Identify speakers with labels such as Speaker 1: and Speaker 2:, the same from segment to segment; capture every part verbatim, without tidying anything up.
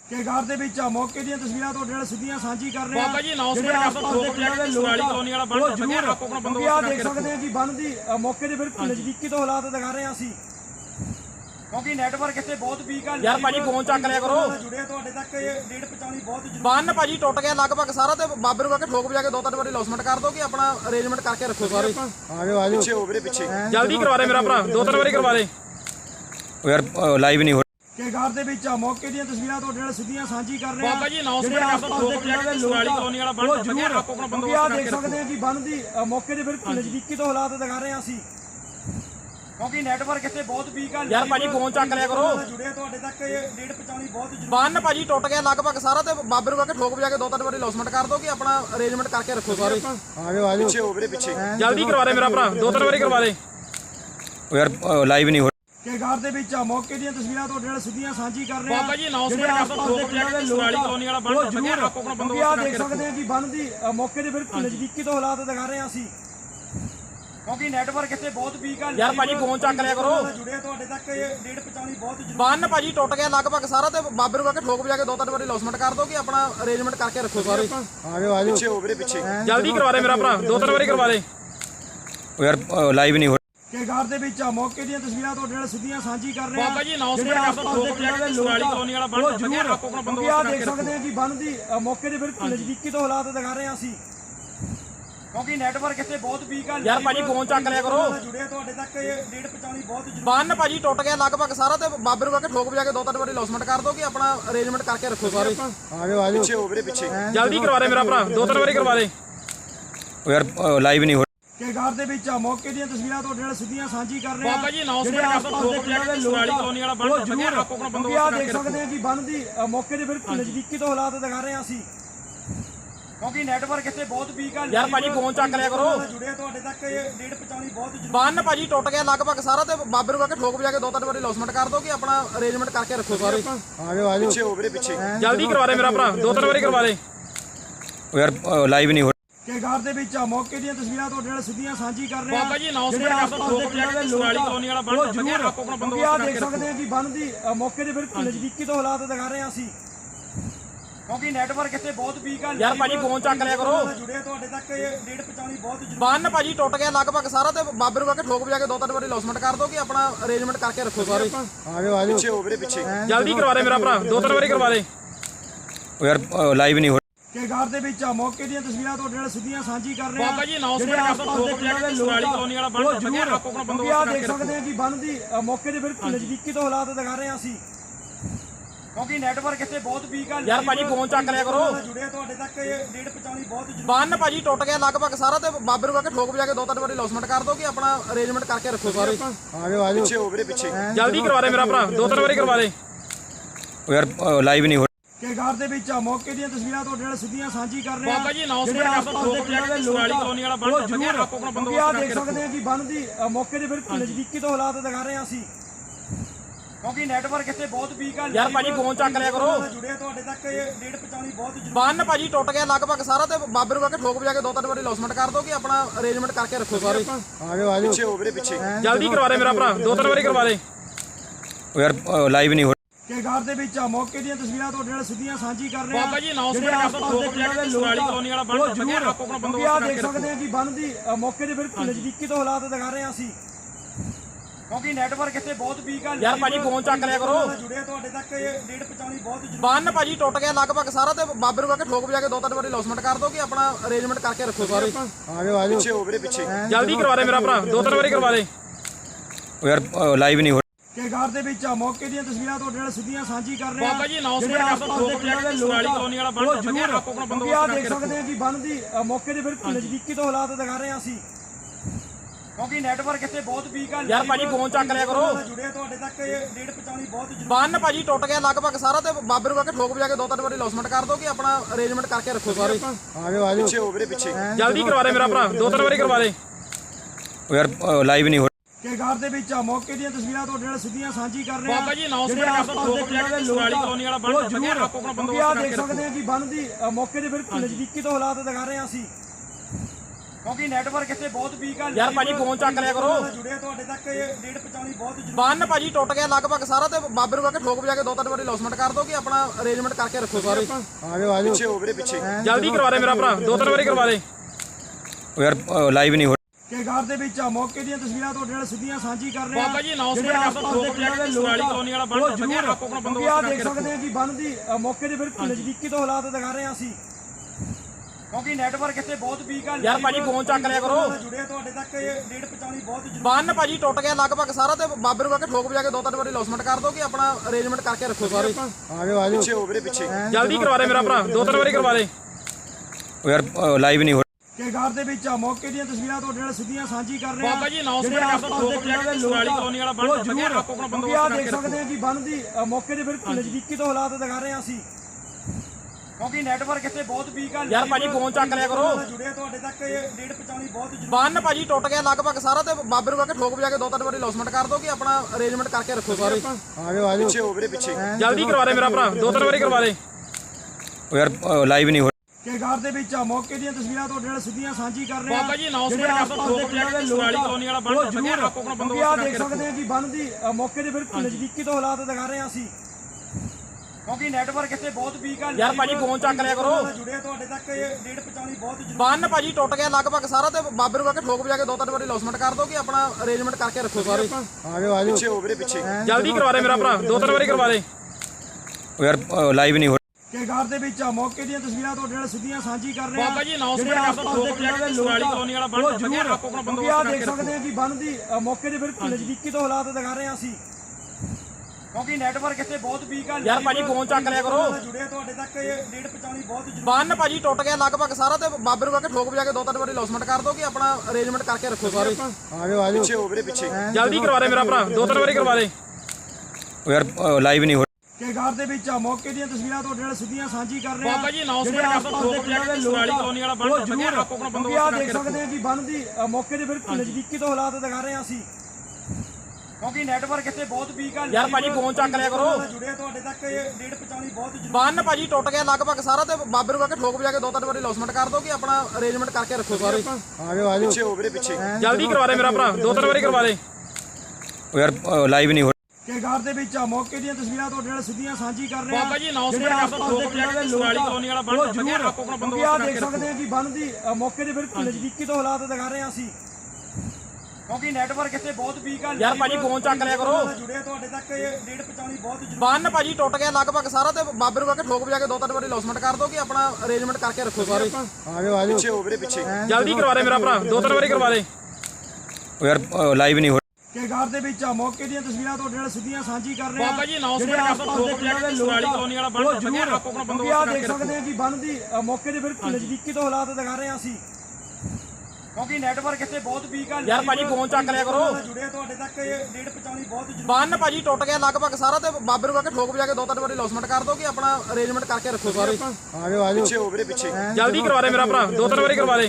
Speaker 1: ਕੇਗਾਰ ਦੇ ਵਿੱਚ ਆ ਮੌਕੇ ਦੀਆਂ ਤਸਵੀਰਾਂ ਤੁਹਾਡੇ ਨਾਲ ਸਿੱਧੀਆਂ ਸਾਂਝੀ ਕਰ ਰਹੇ ਹਾਂ।
Speaker 2: ਬਾਬਾ ਜੀ ਅਨਾਉਂਸਮੈਂਟ ਕਰ ਦੋ ਠੋਕ ਵਜਾ ਕੇ ਸਰਾਲੀ ਕਲੋਨੀ ਵਾਲਾ ਬੰਨ ਟੱਪ ਗਿਆ, ਆਪੋ ਆਪਣਾ ਬੰਦੋਬਸਤ
Speaker 1: ਆ
Speaker 2: ਕਰਕੇ
Speaker 1: ਦੇਖ ਸਕਦੇ ਹਾਂ ਕਿ ਬੰਨ ਦੀ ਅ, ਮੌਕੇ ਦੇ ਬਿਲਕੁਲ ਨਜ਼ਦੀਕੀ ਤੋਂ ਹਾਲਾਤ ਦਿਖਾ ਰਹੇ ਹਾਂ ਅਸੀਂ, ਕਿਉਂਕਿ ਨੈਟਵਰਕ ਇੱਥੇ ਬਹੁਤ ਵੀਕ ਆ
Speaker 2: ਯਾਰ ਭਾਜੀ ਫੋਨ ਚੱਕ ਲਿਆ ਕਰੋ।
Speaker 1: ਜੁੜੇ ਤੁਹਾਡੇ ਤੱਕ ਇਹ ਡੀਡ ਪਹੁੰਚਾਉਣੀ ਬਹੁਤ ਜ਼ਰੂਰੀ।
Speaker 2: ਬੰਨ ਭਾਜੀ ਟੁੱਟ ਗਿਆ ਲਗਭਗ ਸਾਰਾ ਤੇ ਬਾਬੇ ਨੂੰ ਕਹਿੰਦੇ ਠੋਕ ਵਜਾ ਕੇ ਦੋ ਤਿੰਨ ਵਾਰੀ ਲੌਸਮੈਂਟ ਕਰ ਦੋ ਕਿ ਆਪਣਾ ਅਰੇਂਜਮੈਂਟ ਕਰਕੇ ਰੱਖੋ ਸਾਰੇ।
Speaker 3: ਆਜੋ ਆਜੋ
Speaker 1: ਪਿੱਛੇ ਹੋ ਵੀਰੇ ਪਿੱਛੇ
Speaker 2: ਜਲਦੀ ਕਰਵਾ ਦੇ ਮੇਰਾ ਭਰਾ, ਦੋ ਤਿੰਨ ਵਾਰੀ ਕਰਵਾ ਦੇ।
Speaker 3: ਉਹ ਯਾਰ ਲਾਈਵ ਨਹੀਂ ਹੋ
Speaker 1: ਕੇਗਾਰ ਦੇ ਵਿੱਚ ਆ ਮੌਕੇ ਦੀਆਂ ਤਸਵੀਰਾਂ ਤੁਹਾਡੇ ਨਾਲ ਸਿੱਧੀਆਂ ਸਾਂਝੀ ਕਰ ਰਹੇ ਹਾਂ।
Speaker 2: ਬਾਬਾ ਜੀ ਅਨਾਉਂਸਮੈਂਟ ਕਰ ਦੋ ਠੋਕ ਵਜਾ ਕੇ ਸਰਾਲੀ ਕਲੋਨੀ ਵਾਲਾ ਬੰਨ ਟੱਪ ਗਿਆ, ਆਪੋ ਆਪਣਾ ਬੰਦੋਬਸਤ
Speaker 1: ਆ
Speaker 2: ਕਰਕੇ
Speaker 1: ਦੇਖ ਸਕਦੇ ਹਾਂ ਕਿ ਬੰਨ ਦੀ ਅ, ਮੌਕੇ ਦੇ ਬਿਲਕੁਲ ਨਜ਼ਦੀਕੀ ਤੋਂ ਹਾਲਾਤ ਦਿਖਾ ਰਹੇ ਹਾਂ ਅਸੀਂ, ਕਿਉਂਕਿ ਨੈਟਵਰਕ ਇੱਥੇ ਬਹੁਤ ਵੀਕ ਆ
Speaker 2: ਯਾਰ ਭਾਜੀ ਫੋਨ ਚੱਕ ਲਿਆ ਕਰੋ।
Speaker 1: ਜੁੜੇ ਤੁਹਾਡੇ ਤੱਕ ਇਹ ਡੀਡ ਪਹੁੰਚਾਉਣੀ ਬਹੁਤ ਜ਼ਰੂਰੀ।
Speaker 2: ਬੰਨ ਭਾਜੀ ਟੁੱਟ ਗਿਆ ਲਗਭਗ ਸਾਰਾ ਤੇ ਬਾਬੇ ਨੂੰ ਕਹਿੰਦੇ ਠੋਕ ਵਜਾ ਕੇ ਦੋ ਤਿੰਨ ਵਾਰੀ ਲੌਸਮੈਂਟ ਕਰ ਦੋ ਕਿ ਆਪਣਾ ਅਰੇਂਜਮੈਂਟ ਕਰਕੇ ਰੱਖੋ ਸਾਰੇ।
Speaker 3: ਆਜੋ ਆਜੋ
Speaker 1: ਪਿੱਛੇ ਹੋ ਵੀਰੇ ਪਿੱਛੇ
Speaker 2: ਜਲਦੀ ਕਰਵਾ ਦੇ ਮੇਰਾ ਭਰਾ, ਦੋ ਤਿੰਨ ਵਾਰੀ ਕਰਵਾ ਦੇ।
Speaker 3: ਉਹ ਯਾਰ ਲਾਈਵ ਨਹੀਂ ਹੋ
Speaker 1: ਕੇਗਾਰ ਦੇ ਵਿੱਚ ਆ ਮੌਕੇ ਦੀਆਂ ਤਸਵੀਰਾਂ ਤੁਹਾਡੇ ਨਾਲ ਸਿੱਧੀਆਂ ਸਾਂਝੀ ਕਰ ਰਹੇ ਹਾਂ।
Speaker 2: ਬਾਬਾ ਜੀ ਅਨਾਉਂਸਮੈਂਟ ਕਰ ਦੋ ਠੋਕ ਵਜਾ ਕੇ ਸਰਾਲੀ ਕਲੋਨੀ ਵਾਲਾ ਬੰਨ ਟੱਪ ਗਿਆ, ਆਪੋ ਆਪਣਾ
Speaker 1: ਆ
Speaker 2: ਬੰਦੋਬਸਤ
Speaker 1: ਦੇਖ
Speaker 2: ਕਰਕੇ
Speaker 1: ਸਕਦੇ ਹਾਂ ਕਿ ਬੰਨ ਦੀ ਅ, ਮੌਕੇ ਦੇ ਬਿਲਕੁਲ ਨਜ਼ਦੀਕੀ ਤੋਂ ਹਾਲਾਤ ਦਿਖਾ ਰਹੇ ਹਾਂ ਅਸੀਂ, ਕਿਉਂਕਿ ਨੈਟਵਰਕ ਇੱਥੇ ਬਹੁਤ ਵੀਕ ਆ
Speaker 2: ਯਾਰ ਭਾਜੀ ਫੋਨ ਚੱਕ ਲਿਆ ਕਰੋ।
Speaker 1: ਜੁੜੇ ਤੁਹਾਡੇ ਤੱਕ ਇਹ ਡੀਡ ਪਹੁੰਚਾਉਣੀ ਬਹੁਤ ਜ਼ਰੂਰੀ।
Speaker 2: ਬੰਨ ਭਾਜੀ ਟੁੱਟ ਗਿਆ ਲਗਭਗ ਸਾਰਾ ਤੇ ਬਾਬੇ ਨੂੰ ਕਹਿੰਦੇ ਠੋਕ ਵਜਾ ਕੇ ਦੋ ਤਿੰਨ ਵਾਰੀ ਲੌਸਮੈਂਟ ਕਰ ਦੋ ਕਿ ਆਪਣਾ ਅਰੇਂਜਮੈਂਟ ਕਰਕੇ ਰੱਖੋ ਸਾਰੇ।
Speaker 3: ਆਜੋ ਆਜੋ
Speaker 1: ਪਿੱਛੇ ਹੋ ਵੀਰੇ ਪਿੱਛੇ
Speaker 2: ਜਲਦੀ ਕਰਵਾ ਦੇ ਮੇਰਾ ਭਰਾ, ਦੋ ਤਿੰਨ ਵਾਰੀ ਕਰਵਾ ਦੇ।
Speaker 3: ਉਹ ਯਾਰ ਲਾਈਵ ਨਹੀਂ ਹੋ
Speaker 1: ਕੇਗਾਰ ਦੇ ਵਿੱਚ ਆ ਮੌਕੇ ਦੀਆਂ ਤਸਵੀਰਾਂ ਤੁਹਾਡੇ ਨਾਲ ਸਿੱਧੀਆਂ ਸਾਂਝੀ ਕਰ ਰਹੇ ਹਾਂ।
Speaker 2: ਬਾਬਾ ਜੀ ਅਨਾਉਂਸਮੈਂਟ ਕਰ ਦੋ ਠੋਕ ਵਜਾ ਕੇ ਸਰਾਲੀ ਕਲੋਨੀ ਵਾਲਾ ਬੰਨ ਟੱਪ ਗਿਆ, ਆਪੋ ਆਪਣਾ
Speaker 1: ਆ
Speaker 2: ਬੰਦੋਬਸਤ
Speaker 1: ਦੇਖ
Speaker 2: ਕਰਕੇ
Speaker 1: ਸਕਦੇ ਹਾਂ ਕਿ ਬੰਨ ਦੀ ਅ, ਮੌਕੇ ਦੇ ਬਿਲਕੁਲ ਨਜ਼ਦੀਕੀ ਤੋਂ ਹਾਲਾਤ ਦਿਖਾ ਰਹੇ ਹਾਂ ਅਸੀਂ, ਕਿਉਂਕਿ ਨੈਟਵਰਕ ਇੱਥੇ ਬਹੁਤ ਵੀਕ ਆ
Speaker 2: ਯਾਰ ਭਾਜੀ ਫੋਨ ਚੱਕ ਲਿਆ ਕਰੋ।
Speaker 1: ਜੁੜੇ ਤੁਹਾਡੇ ਤੱਕ ਇਹ ਡੀਡ ਪਹੁੰਚਾਉਣੀ ਬਹੁਤ ਜ਼ਰੂਰੀ।
Speaker 2: ਬੰਨ ਭਾਜੀ ਟੁੱਟ ਗਿਆ ਲਗਭਗ ਸਾਰਾ ਤੇ ਬਾਬੇ ਨੂੰ ਕਹਿੰਦੇ ਠੋਕ ਵਜਾ ਕੇ ਦੋ ਤਿੰਨ ਵਾਰੀ ਲੌਸਮੈਂਟ ਕਰ ਦੋ ਕਿ ਆਪਣਾ ਅਰੇਂਜਮੈਂਟ ਕਰਕੇ ਰੱਖੋ ਸਾਰੇ।
Speaker 3: ਆਜੋ ਆਜੋ
Speaker 1: ਪਿੱਛੇ ਹੋ ਵੀਰੇ ਪਿੱਛੇ
Speaker 2: ਜਲਦੀ ਕਰਵਾ ਦੇ ਮੇਰਾ ਭਰਾ, ਦੋ ਤਿੰਨ ਵਾਰੀ ਕਰਵਾ ਦੇ।
Speaker 3: ਉਹ ਯਾਰ ਲਾਈਵ ਨਹੀਂ ਹੋ
Speaker 1: ਕੇਗਾਰ ਦੇ ਵਿੱਚ ਆ ਮੌਕੇ ਦੀਆਂ ਤਸਵੀਰਾਂ ਤੁਹਾਡੇ ਨਾਲ ਸਿੱਧੀਆਂ ਸਾਂਝੀ ਕਰ ਰਹੇ ਹਾਂ।
Speaker 2: ਬਾਬਾ ਜੀ ਅਨਾਉਂਸਮੈਂਟ ਕਰ ਦੋ ਠੋਕ ਵਜਾ ਕੇ ਸਰਾਲੀ ਕਲੋਨੀ ਵਾਲਾ ਬੰਨ ਟੱਪ ਗਿਆ, ਆਪੋ ਆਪਣਾ
Speaker 1: ਆ
Speaker 2: ਬੰਦੋਬਸਤ
Speaker 1: ਦੇਖ
Speaker 2: ਕਰਕੇ
Speaker 1: ਸਕਦੇ ਹਾਂ ਕਿ ਬੰਨ ਦੀ ਅ, ਮੌਕੇ ਦੇ ਬਿਲਕੁਲ ਨਜ਼ਦੀਕੀ ਤੋਂ ਹਾਲਾਤ ਦਿਖਾ ਰਹੇ ਹਾਂ ਅਸੀਂ, ਕਿਉਂਕਿ ਨੈਟਵਰਕ ਇੱਥੇ ਬਹੁਤ ਵੀਕ ਆ
Speaker 2: ਯਾਰ ਭਾਜੀ ਫੋਨ ਚੱਕ ਲਿਆ ਕਰੋ।
Speaker 1: ਜੁੜੇ ਤੁਹਾਡੇ ਤੱਕ ਇਹ ਡੀਡ ਪਹੁੰਚਾਉਣੀ ਬਹੁਤ ਜ਼ਰੂਰੀ।
Speaker 2: ਬੰਨ ਭਾਜੀ ਟੁੱਟ ਗਿਆ ਲਗਭਗ ਸਾਰਾ ਤੇ ਬਾਬੇ ਨੂੰ ਕਹਿੰਦੇ ਠੋਕ ਵਜਾ ਕੇ ਦੋ ਤਿੰਨ ਵਾਰੀ ਲੌਸਮੈਂਟ ਕਰ ਦੋ ਕਿ ਆਪਣਾ ਅਰੇਂਜਮੈਂਟ ਕਰਕੇ ਰੱਖੋ ਸਾਰੇ।
Speaker 3: ਆਜੋ ਆਜੋ
Speaker 1: ਪਿੱਛੇ ਹੋ ਵੀਰੇ ਪਿੱਛੇ
Speaker 2: ਜਲਦੀ ਕਰਵਾ ਦੇ ਮੇਰਾ ਭਰਾ, ਦੋ ਤਿੰਨ ਵਾਰੀ ਕਰਵਾ ਦੇ।
Speaker 3: ਉਹ ਯਾਰ ਲਾਈਵ ਨਹੀਂ ਹੋ
Speaker 1: ਕੇਗਾਰ ਦੇ ਵਿੱਚ ਆ ਮੌਕੇ ਦੀਆਂ ਤਸਵੀਰਾਂ ਤੁਹਾਡੇ ਨਾਲ ਸਿੱਧੀਆਂ ਸਾਂਝੀ ਕਰ ਰਹੇ ਹਾਂ।
Speaker 2: ਬਾਬਾ ਜੀ ਅਨਾਉਂਸਮੈਂਟ ਕਰ ਦੋ ਠੋਕ ਵਜਾ ਕੇ ਸਰਾਲੀ ਕਲੋਨੀ ਵਾਲਾ ਬੰਨ ਟੱਪ ਗਿਆ, ਆਪੋ ਆਪਣਾ ਬੰਦੋਬਸਤ
Speaker 1: ਆ
Speaker 2: ਕਰਕੇ
Speaker 1: ਦੇਖ ਸਕਦੇ ਹਾਂ ਕਿ ਬੰਨ ਦੀ ਅ, ਮੌਕੇ ਦੇ ਬਿਲਕੁਲ ਨਜ਼ਦੀਕੀ ਤੋਂ ਹਾਲਾਤ ਦਿਖਾ ਰਹੇ ਹਾਂ ਅਸੀਂ, ਕਿਉਂਕਿ ਨੈਟਵਰਕ ਇੱਥੇ ਬਹੁਤ ਵੀਕ ਆ
Speaker 2: ਯਾਰ ਭਾਜੀ ਫੋਨ ਚੱਕ ਲਿਆ ਕਰੋ।
Speaker 1: ਜੁੜੇ ਤੁਹਾਡੇ ਤੱਕ ਇਹ ਡੀਡ ਪਹੁੰਚਾਉਣੀ ਬਹੁਤ ਜ਼ਰੂਰੀ।
Speaker 2: ਬੰਨ ਭਾਜੀ ਟੁੱਟ ਗਿਆ ਲਗਭਗ ਸਾਰਾ ਤੇ ਬਾਬੇ ਨੂੰ ਕਹਿੰਦੇ ਠੋਕ ਵਜਾ ਕੇ ਦੋ ਤਿੰਨ ਵਾਰੀ ਲੌਸਮੈਂਟ ਕਰ ਦੋ ਕਿ ਆਪਣਾ ਅਰੇਂਜਮੈਂਟ ਕਰਕੇ ਰੱਖੋ ਸਾਰੇ।
Speaker 3: ਆਜੋ ਆਜੋ
Speaker 1: ਪਿੱਛੇ ਹੋ ਵੀਰੇ ਪਿੱਛੇ
Speaker 2: ਜਲਦੀ ਕਰਵਾ ਦੇ ਮੇਰਾ ਭਰਾ, ਦੋ ਤਿੰਨ ਵਾਰੀ ਕਰਵਾ ਦੇ।
Speaker 3: ਉਹ ਯਾਰ ਲਾਈਵ ਨਹੀਂ ਹੋ
Speaker 1: ਕੇਗਾਰ ਦੇ ਵਿੱਚ ਆ ਮੌਕੇ ਦੀਆਂ ਤਸਵੀਰਾਂ ਤੁਹਾਡੇ ਨਾਲ ਸਿੱਧੀਆਂ ਸਾਂਝੀ ਕਰ ਰਹੇ ਹਾਂ।
Speaker 2: ਬਾਬਾ ਜੀ ਅਨਾਉਂਸਮੈਂਟ ਕਰ ਦੋ ਠੋਕ ਵਜਾ ਕੇ ਸਰਾਲੀ ਕਲੋਨੀ ਵਾਲਾ ਬੰਨ ਟੱਪ ਗਿਆ, ਆਪੋ ਆਪਣਾ
Speaker 1: ਆ
Speaker 2: ਬੰਦੋਬਸਤ
Speaker 1: ਦੇਖ
Speaker 2: ਕਰਕੇ
Speaker 1: ਸਕਦੇ ਹਾਂ ਕਿ ਬੰਨ ਦੀ ਅ, ਮੌਕੇ ਦੇ ਬਿਲਕੁਲ ਨਜ਼ਦੀਕੀ ਤੋਂ ਹਾਲਾਤ ਦਿਖਾ ਰਹੇ ਹਾਂ ਅਸੀਂ, ਕਿਉਂਕਿ ਨੈਟਵਰਕ ਇੱਥੇ ਬਹੁਤ ਵੀਕ ਆ
Speaker 2: ਯਾਰ ਭਾਜੀ ਫੋਨ ਚੱਕ ਲਿਆ ਕਰੋ।
Speaker 1: ਜੁੜੇ ਤੁਹਾਡੇ ਤੱਕ ਇਹ ਡੀਡ ਪਹੁੰਚਾਉਣੀ ਬਹੁਤ ਜ਼ਰੂਰੀ।
Speaker 2: ਬੰਨ ਭਾਜੀ ਟੁੱਟ ਗਿਆ ਲਗਭਗ ਸਾਰਾ ਤੇ ਬਾਬੇ ਨੂੰ ਕਹਿੰਦੇ ਠੋਕ ਵਜਾ ਕੇ ਦੋ ਤਿੰਨ ਵਾਰੀ ਲੌਸਮੈਂਟ ਕਰ ਦੋ ਕਿ ਆਪਣਾ ਅਰੇਂਜਮੈਂਟ ਕਰਕੇ ਰੱਖੋ ਸਾਰੇ।
Speaker 3: ਆਜੋ ਆਜੋ
Speaker 1: ਪਿੱਛੇ ਹੋ ਵੀਰੇ ਪਿੱਛੇ
Speaker 2: ਜਲਦੀ ਕਰਵਾ ਦੇ ਮੇਰਾ ਭਰਾ, ਦੋ ਤਿੰਨ ਵਾਰੀ ਕਰਵਾ ਦੇ।
Speaker 3: ਉਹ ਯਾਰ ਲਾਈਵ ਨਹੀਂ ਹੋ
Speaker 1: ਕੇਗਾਰ ਦੇ ਵਿੱਚ ਆ ਮੌਕੇ ਦੀਆਂ ਤਸਵੀਰਾਂ ਤੁਹਾਡੇ ਨਾਲ ਸਿੱਧੀਆਂ ਸਾਂਝੀ ਕਰ ਰਹੇ ਹਾਂ।
Speaker 2: ਬਾਬਾ ਜੀ ਅਨਾਉਂਸਮੈਂਟ ਕਰ ਦੋ ਠੋਕ ਵਜਾ ਕੇ ਸਰਾਲੀ ਕਲੋਨੀ ਵਾਲਾ ਬੰਨ ਟੱਪ ਗਿਆ, ਆਪੋ ਆਪਣਾ
Speaker 1: ਆ
Speaker 2: ਬੰਦੋਬਸਤ
Speaker 1: ਦੇਖ
Speaker 2: ਕਰਕੇ
Speaker 1: ਸਕਦੇ ਹਾਂ ਕਿ ਬੰਨ ਦੀ ਅ, ਮੌਕੇ ਦੇ ਬਿਲਕੁਲ ਨਜ਼ਦੀਕੀ ਤੋਂ ਹਾਲਾਤ ਦਿਖਾ ਰਹੇ ਹਾਂ ਅਸੀਂ, ਕਿਉਂਕਿ ਨੈਟਵਰਕ ਇੱਥੇ ਬਹੁਤ ਵੀਕ ਆ
Speaker 2: ਯਾਰ ਭਾਜੀ ਫੋਨ ਚੱਕ ਲਿਆ ਕਰੋ।
Speaker 1: ਜੁੜੇ ਤੁਹਾਡੇ ਤੱਕ ਇਹ ਡੀਡ ਪਹੁੰਚਾਉਣੀ ਬਹੁਤ ਜ਼ਰੂਰੀ।
Speaker 2: ਬੰਨ ਭਾਜੀ ਟੁੱਟ ਗਿਆ ਲਗਭਗ ਸਾਰਾ ਤੇ ਬਾਬੇ ਨੂੰ ਕਹਿੰਦੇ ਠੋਕ ਵਜਾ ਕੇ ਦੋ ਤਿੰਨ ਵਾਰੀ ਲੌਸਮੈਂਟ ਕਰ ਦੋ ਕਿ ਆਪਣਾ ਅਰੇਂਜਮੈਂਟ ਕਰਕੇ ਰੱਖੋ ਸਾਰੇ।
Speaker 3: ਆਜੋ ਆਜੋ
Speaker 1: ਪਿੱਛੇ ਹੋ ਵੀਰੇ ਪਿੱਛੇ
Speaker 2: ਜਲਦੀ ਕਰਵਾ ਦੇ ਮੇਰਾ ਭਰਾ, ਦੋ ਤਿੰਨ ਵਾਰੀ ਕਰਵਾ ਦੇ।
Speaker 3: ਉਹ ਯਾਰ ਲਾਈਵ ਨਹੀਂ ਹੋ
Speaker 1: ਕੇਗਾਰ ਦੇ ਵਿੱਚ ਆ ਮੌਕੇ ਦੀਆਂ ਤਸਵੀਰਾਂ ਤੁਹਾਡੇ ਨਾਲ ਸਿੱਧੀਆਂ ਸਾਂਝੀ ਕਰ ਰਹੇ ਹਾਂ।
Speaker 2: ਬਾਬਾ ਜੀ ਅਨਾਉਂਸਮੈਂਟ ਕਰ ਦੋ ਠੋਕ ਵਜਾ ਕੇ ਸਰਾਲੀ ਕਲੋਨੀ ਵਾਲਾ ਬੰਨ ਟੱਪ ਗਿਆ, ਆਪੋ ਆਪਣਾ
Speaker 1: ਆ
Speaker 2: ਬੰਦੋਬਸਤ
Speaker 1: ਦੇਖ
Speaker 2: ਕਰਕੇ
Speaker 1: ਸਕਦੇ ਹਾਂ ਕਿ ਬੰਨ ਦੀ ਅ, ਮੌਕੇ ਦੇ ਬਿਲਕੁਲ ਨਜ਼ਦੀਕੀ ਤੋਂ ਹਾਲਾਤ ਦਿਖਾ ਰਹੇ ਹਾਂ ਅਸੀਂ, ਕਿਉਂਕਿ ਨੈਟਵਰਕ ਇੱਥੇ ਬਹੁਤ ਵੀਕ ਆ
Speaker 2: ਯਾਰ ਭਾਜੀ ਫੋਨ ਚੱਕ ਲਿਆ ਕਰੋ।
Speaker 1: ਜੁੜੇ ਤੁਹਾਡੇ ਤੱਕ ਇਹ ਡੀਡ ਪਹੁੰਚਾਉਣੀ ਬਹੁਤ ਜ਼ਰੂਰੀ।
Speaker 2: ਬੰਨ ਭਾਜੀ ਟੁੱਟ ਗਿਆ ਲਗਭਗ ਸਾਰਾ ਤੇ ਬਾਬੇ ਨੂੰ ਕਹਿੰਦੇ ਠੋਕ ਵਜਾ ਕੇ ਦੋ ਤਿੰਨ ਵਾਰੀ ਲੌਸਮੈਂਟ ਕਰ ਦੋ ਕਿ ਆਪਣਾ ਅਰੇਂਜਮੈਂਟ ਕਰਕੇ ਰੱਖੋ ਸਾਰੇ।
Speaker 3: ਆਜੋ ਆਜੋ
Speaker 1: ਪਿੱਛੇ ਹੋ ਵੀਰੇ ਪਿੱਛੇ
Speaker 2: ਜਲਦੀ ਕਰਵਾ ਦੇ ਮੇਰਾ ਭਰਾ, ਦੋ ਤਿੰਨ ਵਾਰੀ ਕਰਵਾ ਦੇ।
Speaker 3: ਉਹ ਯਾਰ ਲਾਈਵ ਨਹੀਂ ਹੋ
Speaker 1: ਕੇਗਾਰ ਦੇ ਵਿੱਚ ਆ ਮੌਕੇ ਦੀਆਂ ਤਸਵੀਰਾਂ ਤੁਹਾਡੇ ਨਾਲ ਸਿੱਧੀਆਂ ਸਾਂਝੀ ਕਰ ਰਹੇ ਹਾਂ।
Speaker 2: ਬਾਬਾ ਜੀ ਅਨਾਉਂਸਮੈਂਟ ਕਰ ਦੋ ਠੋਕ ਵਜਾ ਕੇ ਸਰਾਲੀ ਕਲੋਨੀ ਵਾਲਾ ਬੰਨ ਟੱਪ ਗਿਆ, ਆਪੋ ਆਪਣਾ
Speaker 1: ਆ
Speaker 2: ਬੰਦੋਬਸਤ
Speaker 1: ਦੇਖ
Speaker 2: ਕਰਕੇ
Speaker 1: ਸਕਦੇ ਹਾਂ ਕਿ ਬੰਨ ਦੀ ਅ, ਮੌਕੇ ਦੇ ਬਿਲਕੁਲ ਨਜ਼ਦੀਕੀ ਤੋਂ ਹਾਲਾਤ ਦਿਖਾ ਰਹੇ ਹਾਂ ਅਸੀਂ, ਕਿਉਂਕਿ ਨੈਟਵਰਕ ਇੱਥੇ ਬਹੁਤ ਵੀਕ ਆ
Speaker 2: ਯਾਰ ਭਾਜੀ ਫੋਨ ਚੱਕ ਲਿਆ ਕਰੋ।
Speaker 1: ਜੁੜੇ ਤੁਹਾਡੇ ਤੱਕ ਇਹ ਡੀਡ ਪਹੁੰਚਾਉਣੀ ਬਹੁਤ ਜ਼ਰੂਰੀ।
Speaker 2: ਬੰਨ ਭਾਜੀ ਟੁੱਟ ਗਿਆ ਲਗਭਗ ਸਾਰਾ ਤੇ ਬਾਬੇ ਨੂੰ ਕਹਿੰਦੇ ਠੋਕ ਵਜਾ ਕੇ ਦੋ ਤਿੰਨ ਵਾਰੀ ਲੌਸਮੈਂਟ ਕਰ ਦੋ ਕਿ ਆਪਣਾ ਅਰੇਂਜਮੈਂਟ ਕਰਕੇ ਰੱਖੋ ਸਾਰੇ।
Speaker 3: ਆਜੋ ਆਜੋ
Speaker 1: ਪਿੱਛੇ ਹੋ ਵੀਰੇ ਪਿੱਛੇ
Speaker 2: ਜਲਦੀ ਕਰਵਾ ਦੇ ਮੇਰਾ ਭਰਾ, ਦੋ ਤਿੰਨ ਵਾਰੀ ਕਰਵਾ ਦੇ।
Speaker 3: ਉਹ ਯਾਰ ਲਾਈਵ ਨਹੀਂ ਹੋ
Speaker 1: ਕੇਗਾਰ ਦੇ ਵਿੱਚ ਆ ਮੌਕੇ ਦੀਆਂ ਤਸਵੀਰਾਂ ਤੁਹਾਡੇ ਨਾਲ ਸਿੱਧੀਆਂ ਸਾਂਝੀ ਕਰ ਰਹੇ ਹਾਂ।
Speaker 2: ਬਾਬਾ ਜੀ ਅਨਾਉਂਸਮੈਂਟ ਕਰ ਦੋ ਠੋਕ ਵਜਾ ਕੇ ਸਰਾਲੀ ਕਲੋਨੀ ਵਾਲਾ ਬੰਨ ਟੱਪ ਗਿਆ, ਆਪੋ ਆਪਣਾ
Speaker 1: ਆ
Speaker 2: ਬੰਦੋਬਸਤ
Speaker 1: ਦੇਖ
Speaker 2: ਕਰਕੇ
Speaker 1: ਸਕਦੇ ਹਾਂ ਕਿ ਬੰਨ ਦੀ ਅ, ਮੌਕੇ ਦੇ ਬਿਲਕੁਲ ਨਜ਼ਦੀਕੀ ਤੋਂ ਹਾਲਾਤ ਦਿਖਾ ਰਹੇ ਹਾਂ ਅਸੀਂ, ਕਿਉਂਕਿ ਨੈਟਵਰਕ ਇੱਥੇ ਬਹੁਤ ਵੀਕ ਆ
Speaker 2: ਯਾਰ ਭਾਜੀ ਫੋਨ ਚੱਕ ਲਿਆ ਕਰੋ।
Speaker 1: ਜੁੜਿਆ ਤੁਹਾਡੇ ਤੱਕ ਇਹ ਡੇਟ ਪਹੁੰਚਾਉਣੀ ਬਹੁਤ ਜ਼ਰੂਰੀ।
Speaker 2: ਬੰਨ ਭਾਜੀ ਟੁੱਟ ਗਿਆ ਲਗਭਗ ਸਾਰਾ ਤੇ ਬਾਬੇ ਨੂੰ ਕਹ ਕੇ ਠੋਕ ਵਜਾ ਕੇ ਦੋ ਤਿੰਨ ਵਾਰੀ ਲੌਸਮੈਂਟ ਕਰ ਦੋ ਕਿ ਆਪਣਾ ਅਰੇਂਜਮੈਂਟ ਕਰਕੇ ਰੱਖੋ ਸਾਰੇ।
Speaker 3: ਆਜੋ ਆਜੋ
Speaker 1: ਪਿੱਛੇ ਹੋ ਵੀਰੇ ਪਿੱਛੇ
Speaker 2: ਜਲਦੀ ਕਰਵਾ ਦੇ ਮੇਰਾ ਭਰਾ, ਦੋ ਤਿੰਨ ਵਾਰੀ ਕਰਵਾ ਦੇ।
Speaker 3: ਉਹ ਯਾਰ ਲਾਈਵ ਨਹੀਂ ਹੋ
Speaker 1: ਕੇਗਾਰ ਦੇ ਵਿੱਚ ਆ ਮੌਕੇ ਦੀਆਂ ਤਸਵੀਰਾਂ ਤੁਹਾਡੇ ਨਾਲ ਸਿੱਧੀਆਂ ਸਾਂਝੀ ਕਰ ਰਹੇ ਆ।
Speaker 2: ਬਾਬਾ ਜੀ announcement ਕਰ ਦਿਓ, ਠੋਕ ਵਜਾ ਕੇ ਸਰਾਲੀ ਕਲੋਨੀ ਵਾਲਾ ਬੰਨ ਟੁੱਟ ਗਿਆ, ਆਪੋ ਆਪਣਾ ਬੰਦੋਬਸਤ
Speaker 1: ਆ
Speaker 2: ਕਰਕੇ
Speaker 1: ਦੇਖ ਸਕਦੇ ਆ ਕਿ ਬੰਨ ਦੀ ਅ, ਮੌਕੇ ਦੇ ਬਿਲਕੁਲ ਨਜ਼ਦੀਕੀ ਤੋਂ ਹਾਲਾਤ ਦਿਖਾ ਰਹੇ ਆ ਅਸੀਂ, ਕਿਉਂਕਿ ਨੈਟਵਰਕ ਇੱਥੇ ਬਹੁਤ ਵੀਕ ਆ।
Speaker 2: ਯਾਰ ਭਾਜੀ ਫੋਨ ਚੱਕ ਲਿਆ ਕਰੋ।
Speaker 1: ਜੁੜਿਆ ਤੁਹਾਡੇ ਤੱਕ ਇਹ ਡੇਟ ਪਹੁੰਚਾਉਣੀ ਬਹੁਤ ਜ਼ਰੂਰੀ।
Speaker 2: ਬੰਨ ਭਾਜੀ ਟੁੱਟ ਗਿਆ ਲਗਭਗ ਸਾਰਾ ਤੇ ਬਾਬੇ ਨੂੰ ਕਹ ਕੇ ਠੋਕ ਵਜਾ ਕੇ ਦੋ ਤਿੰਨ ਵਾਰੀ ਲੌਸਮੈਂਟ ਕਰ ਦੋ ਕਿ ਆਪਣਾ ਅਰੇਂਜਮੈਂਟ ਕਰਕੇ ਰੱਖੋ ਸਾਰੇ।
Speaker 3: ਆਜੋ ਆਜੋ
Speaker 1: ਪਿੱਛੇ ਹੋ ਵੀਰੇ ਪਿੱਛੇ
Speaker 2: ਜਲਦੀ ਕਰਵਾ ਦੇ ਮੇਰਾ ਭਰਾ, ਦੋ ਤਿੰਨ ਵਾਰੀ ਕਰਵਾ ਦੇ।
Speaker 3: ਉਹ ਯਾਰ ਲਾਈਵ ਨਹੀਂ ਹੋ
Speaker 1: ਕੇਗਾਰ ਦੇ ਵਿੱਚ ਆ ਮੌਕੇ ਦੀਆਂ ਤਸਵੀਰਾਂ ਤੁਹਾਡੇ ਨਾਲ ਸਿੱਧੀਆਂ ਸਾਂਝੀ ਕਰ ਰਹੇ ਆ।
Speaker 2: ਬਾਬਾ ਜੀ announcement ਕਰ ਦਿਓ, ਠੋਕ ਵਜਾ ਕੇ ਸਰਾਲੀ ਕਲੋਨੀ ਵਾਲਾ ਬੰਨ ਟੁੱਟ ਗਿਆ, ਆਪੋ ਆਪਣਾ ਬੰਦੋਬਸਤ
Speaker 1: ਆ
Speaker 2: ਕਰਕੇ
Speaker 1: ਦੇਖ ਸਕਦੇ ਆ ਕਿ ਬੰਨ ਦੀ ਅ, ਮੌਕੇ ਦੇ ਬਿਲਕੁਲ ਨਜ਼ਦੀਕੀ ਤੋਂ ਹਾਲਾਤ ਦਿਖਾ ਰਹੇ ਆ ਅਸੀਂ, ਕਿਉਂਕਿ ਨੈਟਵਰਕ ਇੱਥੇ ਬਹੁਤ ਵੀਕ ਆ।
Speaker 2: ਯਾਰ ਭਾਜੀ ਫੋਨ ਚੱਕ ਲਿਆ ਕਰੋ।
Speaker 1: ਜੁੜਿਆ ਤੁਹਾਡੇ ਤੱਕ ਇਹ ਡੇਟ ਪਹੁੰਚਾਉਣੀ ਬਹੁਤ ਜ਼ਰੂਰੀ।
Speaker 2: ਬੰਨ ਭਾਜੀ ਟੁੱਟ ਗਿਆ ਲਗਭਗ ਸਾਰਾ ਤੇ ਬਾਬੇ ਨੂੰ ਕਹ ਕੇ ਠੋਕ ਵਜਾ ਕੇ ਦੋ ਤਿੰਨ ਵਾਰੀ ਲੌਸਮੈਂਟ ਕਰ ਦੋ ਕਿ ਆਪਣਾ ਅਰੇਂਜਮੈਂਟ ਕਰਕੇ ਰੱਖੋ ਸਾਰੇ।
Speaker 3: ਆਜੋ ਆਜੋ
Speaker 1: ਪਿੱਛੇ ਹੋ ਵੀਰੇ ਪਿੱਛੇ
Speaker 2: ਜਲਦੀ ਕਰਵਾ ਦੇ ਮੇਰਾ ਭਰਾ, ਦੋ ਤਿੰਨ ਵਾਰੀ ਕਰਵਾ ਦੇ।
Speaker 3: ਉਹ ਯਾਰ ਲਾਈਵ ਨਹੀਂ ਹੋ
Speaker 1: ਕੇਗਾਰ ਦੇ ਵਿੱਚ ਆ ਮੌਕੇ ਦੀਆਂ ਤਸਵੀਰਾਂ ਤੁਹਾਡੇ ਨਾਲ ਸਿੱਧੀਆਂ ਸਾਂਝੀ ਕਰ ਰਹੇ ਆ।
Speaker 2: ਬਾਬਾ ਜੀ announcement ਕਰ ਦਿਓ, ਠੋਕ ਵਜਾ ਕੇ ਸਰਾਲੀ ਕਲੋਨੀ ਵਾਲਾ ਬੰਨ ਟੁੱਟ ਗਿਆ, ਆਪੋ ਆਪਣਾ
Speaker 1: ਆ
Speaker 2: ਬੰਦੋਬਸਤ
Speaker 1: ਦੇਖ
Speaker 2: ਕਰਕੇ ਰੱਖੋ।
Speaker 1: ਸਕਦੇ ਆ ਕਿ ਬੰਨ ਦੀ ਅ, ਮੌਕੇ ਦੇ ਬਿਲਕੁਲ ਨਜ਼ਦੀਕੀ ਤੋਂ ਹਾਲਾਤ ਦਿਖਾ ਰਹੇ ਆ ਅਸੀਂ, ਕਿਉਂਕਿ ਨੈਟਵਰਕ ਇੱਥੇ ਬਹੁਤ ਵੀਕ ਆ।
Speaker 2: ਯਾਰ ਭਾਜੀ ਫੋਨ ਚੱਕ ਲਿਆ ਕਰੋ।
Speaker 1: ਜੁੜਿਆ ਤੁਹਾਡੇ ਤੱਕ ਇਹ ਡੇਟ ਪਹੁੰਚਾਉਣੀ ਬਹੁਤ ਜ਼ਰੂਰੀ।
Speaker 2: ਬੰਨ ਭਾਜੀ ਟੁੱਟ ਗਿਆ ਲਗਭਗ ਸਾਰਾ ਤੇ ਬਾਬੇ ਨੂੰ ਕਹ ਕੇ ਠੋਕ ਵਜਾ ਕੇ ਦੋ ਤਿੰਨ ਵਾਰੀ ਲੌਸਮੈਂਟ ਕਰ ਦੋ ਕਿ ਆਪਣਾ ਅਰੇਂਜਮੈਂਟ ਕਰਕੇ ਰੱਖੋ ਸਾਰੇ।
Speaker 3: ਆਜੋ ਆਜੋ
Speaker 1: ਪਿੱਛੇ ਹੋ ਵੀਰੇ ਪਿੱਛੇ
Speaker 2: ਜਲਦੀ ਕਰਵਾ ਦੇ ਮੇਰਾ ਭਰਾ, ਦੋ ਤਿੰਨ ਵਾਰੀ ਕਰਵਾ ਦੇ।
Speaker 3: ਉਹ ਯਾਰ ਲਾਈਵ ਨਹੀਂ ਹੋ
Speaker 1: ਕੇਗਾਰ ਦੇ ਵਿੱਚ ਆ ਮੌਕੇ ਦੀਆਂ ਤਸਵੀਰਾਂ ਤੁਹਾਡੇ ਨਾਲ ਸਿੱਧੀਆਂ ਸਾਂਝੀ ਕਰ ਰਹੇ ਆ।
Speaker 2: ਬਾਬਾ ਜੀ announcement ਕਰ ਦਿਓ, ਠੋਕ ਵਜਾ ਕੇ ਸਰਾਲੀ ਕਲੋਨੀ ਵਾਲਾ ਬੰਨ ਟੁੱਟ ਗਿਆ, ਆਪੋ ਆਪਣਾ
Speaker 1: ਆ
Speaker 2: ਬੰਦੋਬਸਤ
Speaker 1: ਦੇਖ
Speaker 2: ਕਰਕੇ
Speaker 1: ਸਕਦੇ ਆ ਕਿ ਬੰਨ ਦੀ ਅ, ਮੌਕੇ ਦੇ ਬਿਲਕੁਲ ਨਜ਼ਦੀਕੀ ਤੋਂ ਹਾਲਾਤ ਦਿਖਾ ਰਹੇ ਆ ਅਸੀਂ, ਕਿਉਂਕਿ ਨੈਟਵਰਕ ਇੱਥੇ ਬਹੁਤ ਵੀਕ ਆ।
Speaker 2: ਯਾਰ ਭਾਜੀ ਫੋਨ ਚੱਕ ਲਿਆ ਕਰੋ।
Speaker 1: ਜੁੜਿਆ ਤੁਹਾਡੇ ਤੱਕ ਇਹ ਡੇਟ ਪਹੁੰਚਾਉਣੀ ਬਹੁਤ ਜ਼ਰੂਰੀ।
Speaker 2: ਬੰਨ ਭਾਜੀ ਟੁੱਟ ਗਿਆ ਲਗਭਗ ਸਾਰਾ ਤੇ ਬਾਬੇ ਨੂੰ ਕਹ ਕੇ ਠੋਕ ਵਜਾ ਕੇ ਦੋ ਤਿੰਨ ਵਾਰੀ ਲੌਸਮੈਂਟ ਕਰ ਦੋ ਕਿ ਆਪਣਾ ਅਰੇਂਜਮੈਂਟ ਕਰਕੇ ਰੱਖੋ ਸਾਰੇ।
Speaker 3: ਆਜੋ ਆਜੋ
Speaker 1: ਪਿੱਛੇ ਹੋ ਵੀਰੇ ਪਿੱਛੇ
Speaker 2: ਜਲਦੀ ਕਰਵਾ ਦੇ ਮੇਰਾ ਭਰਾ, ਦੋ ਤਿੰਨ ਵਾਰੀ ਕਰਵਾ ਦੇ।
Speaker 3: ਉਹ ਯਾਰ ਲਾਈਵ ਨਹੀਂ ਹੋ
Speaker 1: ਕੇਗਾਰ ਦੇ ਵਿੱਚ ਆ ਮੌਕੇ ਦੀਆਂ ਤਸਵੀਰਾਂ ਤੁਹਾਡੇ ਨਾਲ ਸਿੱਧੀਆਂ ਸਾਂਝੀ ਕਰ ਰਹੇ ਆ।
Speaker 2: ਬਾਬਾ ਜੀ announcement ਕਰ ਦਿਓ, ਠੋਕ ਵਜਾ ਕੇ ਸਰਾਲੀ ਕਲੋਨੀ ਵਾਲਾ ਬੰਨ ਟੁੱਟ ਗਿਆ, ਆਪੋ ਆਪਣਾ
Speaker 1: ਆ
Speaker 2: ਬੰਦੋਬਸਤ
Speaker 1: ਦੇਖ
Speaker 2: ਕਰਕੇ ਰੱਖੋ।
Speaker 1: ਸਕਦੇ ਆ ਕਿ ਬੰਨ ਦੀ ਅ, ਮੌਕੇ ਦੇ ਬਿਲਕੁਲ ਨਜ਼ਦੀਕੀ ਤੋਂ ਹਾਲਾਤ ਦਿਖਾ ਰਹੇ ਆ ਅਸੀਂ, ਕਿਉਂਕਿ ਨੈਟਵਰਕ ਇੱਥੇ ਬਹੁਤ ਵੀਕ ਆ।
Speaker 2: ਯਾਰ ਭਾਜੀ ਫੋਨ ਚੱਕ ਲਿਆ ਕਰੋ।
Speaker 1: ਜੁੜਿਆ ਤੁਹਾਡੇ ਤੱਕ ਇਹ ਡੇਟ ਪਹੁੰਚਾਉਣੀ ਬਹੁਤ ਜ਼ਰੂਰੀ।
Speaker 2: ਬੰਨ ਭਾਜੀ ਟੁੱਟ ਗਿਆ ਲਗਭਗ ਸਾਰਾ ਤੇ ਬਾਬੇ ਨੂੰ ਕਹ ਕੇ ਠੋਕ ਵਜਾ ਕੇ ਦੋ ਤਿੰਨ ਵਾਰੀ ਲੌਸਮੈਂਟ ਕਰ ਦੋ ਕਿ ਆਪਣਾ ਅਰੇਂਜਮੈਂਟ ਕਰਕੇ ਰੱਖੋ ਸਾਰੇ।
Speaker 3: ਆਜੋ ਆਜੋ
Speaker 1: ਪਿੱਛੇ ਹੋ ਵੀਰੇ ਪਿੱਛੇ
Speaker 2: ਜਲਦੀ ਕਰਵਾ ਦੇ ਮੇਰਾ ਭਰਾ, ਦੋ ਤਿੰਨ ਵਾਰੀ ਕਰਵਾ ਦੇ।
Speaker 3: ਉਹ ਯਾਰ ਲਾਈਵ ਨਹੀਂ ਹੋ
Speaker 1: ਕੇਗਾਰ ਦੇ ਵਿੱਚ ਆ ਮੌਕੇ ਦੀਆਂ ਤਸਵੀਰਾਂ ਤੁਹਾਡੇ ਨਾਲ ਸਿੱਧੀਆਂ ਸਾਂਝੀ ਕਰ ਰਹੇ ਆ।
Speaker 2: ਬਾਬਾ ਜੀ announcement ਕਰ ਦਿਓ, ਠੋਕ ਵਜਾ ਕੇ ਸਰਾਲੀ ਕਲੋਨੀ ਵਾਲਾ ਬੰਨ ਟੁੱਟ ਗਿਆ, ਆਪੋ ਆਪਣਾ
Speaker 1: ਆ
Speaker 2: ਬੰਦੋਬਸਤ
Speaker 1: ਦੇਖ
Speaker 2: ਕਰਕੇ ਰੱਖੋ।
Speaker 1: ਸਕਦੇ ਆ ਕਿ ਬੰਨ ਦੀ ਅ, ਮੌਕੇ ਦੇ ਬਿਲਕੁਲ ਨਜ਼ਦੀਕੀ ਤੋਂ ਹਾਲਾਤ ਦਿਖਾ ਰਹੇ ਆ ਅਸੀਂ, ਕਿਉਂਕਿ ਨੈਟਵਰਕ ਇੱਥੇ ਬਹੁਤ ਵੀਕ ਆ।
Speaker 2: ਯਾਰ ਭਾਜੀ ਫੋਨ ਚੱਕ ਲਿਆ ਕਰੋ।
Speaker 1: ਜੁੜਿਆ ਤੁਹਾਡੇ ਤੱਕ ਇਹ ਡੇਟ ਪਹੁੰਚਾਉਣੀ ਬਹੁਤ ਜ਼ਰੂਰੀ।
Speaker 2: ਬੰਨ ਭਾਜੀ ਟੁੱਟ ਗਿਆ ਲਗਭਗ ਸਾਰਾ ਤੇ ਬਾਬੇ ਨੂੰ ਕਹ ਕੇ ਠੋਕ ਵਜਾ ਕੇ ਦੋ ਤਿੰਨ ਵਾਰੀ ਲੌਸਮੈਂਟ ਕਰ ਦੋ ਕਿ ਆਪਣਾ ਅਰੇਂਜਮੈਂਟ ਕਰਕੇ ਰੱਖੋ ਸਾਰੇ।
Speaker 3: ਆਜੋ ਆਜੋ
Speaker 1: ਪਿੱਛੇ ਹੋ ਵੀਰੇ ਪਿੱਛੇ
Speaker 2: ਜਲਦੀ ਕਰਵਾ ਦੇ ਮੇਰਾ ਭਰਾ, ਦੋ ਤਿੰਨ ਵਾਰੀ ਕਰਵਾ ਦੇ।
Speaker 3: ਉਹ ਯਾਰ ਲਾਈਵ ਨਹੀਂ ਹੋ
Speaker 1: ਕੇਗਾਰ ਦੇ ਵਿੱਚ ਆ ਮੌਕੇ ਦੀਆਂ ਤਸਵੀਰਾਂ ਤੁਹਾਡੇ ਨਾਲ ਸਿੱਧੀਆਂ ਸਾਂਝੀ ਕਰ ਰਹੇ ਆ।
Speaker 2: ਬਾਬਾ ਜੀ announcement ਕਰ ਦਿਓ, ਠੋਕ ਵਜਾ ਕੇ ਸਰਾਲੀ ਕਲੋਨੀ ਵਾਲਾ ਬੰਨ ਟੁੱਟ ਗਿਆ, ਆਪੋ ਆਪਣਾ
Speaker 1: ਆ
Speaker 2: ਬੰਦੋਬਸਤ
Speaker 1: ਦੇਖ
Speaker 2: ਕਰਕੇ ਰੱਖੋ।
Speaker 1: ਸਕਦੇ ਆ ਕਿ ਬੰਨ ਦੀ ਅ, ਮੌਕੇ ਦੇ ਬਿਲਕੁਲ ਨਜ਼ਦੀਕੀ ਤੋਂ ਹਾਲਾਤ ਦਿਖਾ ਰਹੇ ਆ ਅਸੀਂ, ਕਿਉਂਕਿ ਨੈਟਵਰਕ ਇੱਥੇ ਬਹੁਤ ਵੀਕ ਆ।
Speaker 2: ਯਾਰ ਭਾਜੀ ਫੋਨ ਚੱਕ ਲਿਆ ਕਰੋ।
Speaker 1: ਜੁੜਿਆ ਤੁਹਾਡੇ ਤੱਕ ਇਹ ਡੇਟ ਪਹੁੰਚਾਉਣੀ ਬਹੁਤ ਜ਼ਰੂਰੀ।
Speaker 2: ਬੰਨ ਭਾਜੀ ਟੁੱਟ ਗਿਆ ਲਗਭਗ ਸਾਰਾ ਤੇ ਬਾਬੇ ਨੂੰ ਕਹ ਕੇ ਠੋਕ ਵਜਾ ਕੇ ਦੋ ਤਿੰਨ ਵਾਰੀ ਲੌਸਮੈਂਟ ਕਰ ਦੋ ਕਿ ਆਪਣਾ ਅਰੇਂਜਮੈਂਟ ਕਰਕੇ ਰੱਖੋ ਸਾਰੇ।
Speaker 3: ਆਜੋ ਆਜੋ
Speaker 1: ਪਿੱਛੇ ਹੋ ਵੀਰੇ ਪਿੱਛੇ
Speaker 2: ਜਲਦੀ ਕਰਵਾ ਦੇ ਮੇਰਾ ਭਰਾ, ਦੋ ਤਿੰਨ ਵਾਰੀ ਕਰਵਾ ਦੇ।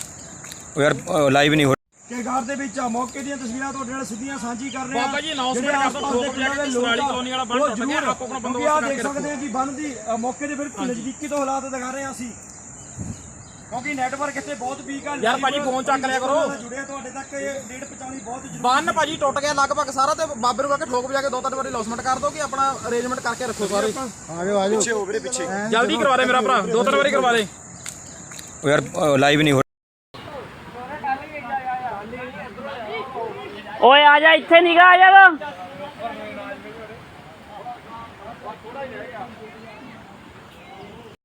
Speaker 3: ਉਹ ਯਾਰ ਲਾਈਵ ਨਹੀਂ ਹੋ
Speaker 1: ਕੇਗਾਰ ਦੇ ਵਿੱਚ ਆ ਮੌਕੇ ਦੀਆਂ ਤਸਵੀਰਾਂ ਤੁਹਾਡੇ ਨਾਲ ਸਿੱਧੀਆਂ ਸਾਂਝੀ ਕਰ ਰਹੇ ਆ।
Speaker 2: ਬਾਬਾ ਜੀ announcement ਕਰ ਦਿਓ, ਠੋਕ ਵਜਾ ਕੇ ਸਰਾਲੀ ਕਲੋਨੀ ਵਾਲਾ ਬੰਨ ਟੁੱਟ ਗਿਆ, ਆਪੋ ਆਪਣਾ
Speaker 1: ਆ
Speaker 2: ਬੰਦੋਬਸਤ
Speaker 1: ਦੇਖ
Speaker 2: ਕਰਕੇ ਰੱਖੋ।
Speaker 1: ਸਕਦੇ ਆ ਕਿ ਬੰਨ ਦੀ ਅ, ਮੌਕੇ ਦੇ ਬਿਲਕੁਲ ਨਜ਼ਦੀਕੀ ਤੋਂ ਹਾਲਾਤ ਦਿਖਾ ਰਹੇ ਆ ਅਸੀਂ, ਕਿਉਂਕਿ ਨੈਟਵਰਕ ਇੱਥੇ ਬਹੁਤ ਵੀਕ ਆ।
Speaker 2: ਯਾਰ ਭਾਜੀ ਫੋਨ ਚੱਕ ਲਿਆ ਕਰੋ।
Speaker 1: ਜੁੜਿਆ ਤੁਹਾਡੇ ਤੱਕ ਇਹ ਡੇਟ ਪਹੁੰਚਾਉਣੀ ਬਹੁਤ ਜ਼ਰੂਰੀ।
Speaker 2: ਬੰਨ ਭਾਜੀ ਟੁੱਟ ਗਿਆ ਲਗਭਗ ਸਾਰਾ ਤੇ ਬਾਬੇ ਨੂੰ ਕਹ ਕੇ ਠੋਕ ਵਜਾ ਕੇ ਦੋ ਤਿੰਨ ਵਾਰੀ ਲੌਸਮੈਂਟ ਕਰ ਦੋ ਕਿ ਆਪਣਾ ਅਰੇਂਜਮੈਂਟ ਕਰਕੇ ਰੱਖੋ ਸਾਰੇ।
Speaker 3: ਆਜੋ ਆਜੋ
Speaker 1: ਪਿੱਛੇ ਹੋ ਵੀਰੇ ਪਿੱਛੇ
Speaker 2: ਜਲਦੀ ਕਰਵਾ ਦੇ ਮੇਰਾ ਭਰਾ, ਦੋ ਤਿੰਨ ਵਾਰੀ ਕਰਵਾ ਦੇ।
Speaker 3: ਉਹ ਯਾਰ ਲਾਈਵ ਨਹੀਂ ਹੋ
Speaker 4: ਓਏ ਆ ਜਾ ਇੱਥੇ ਨਿਗਾ ਆ ਜਾ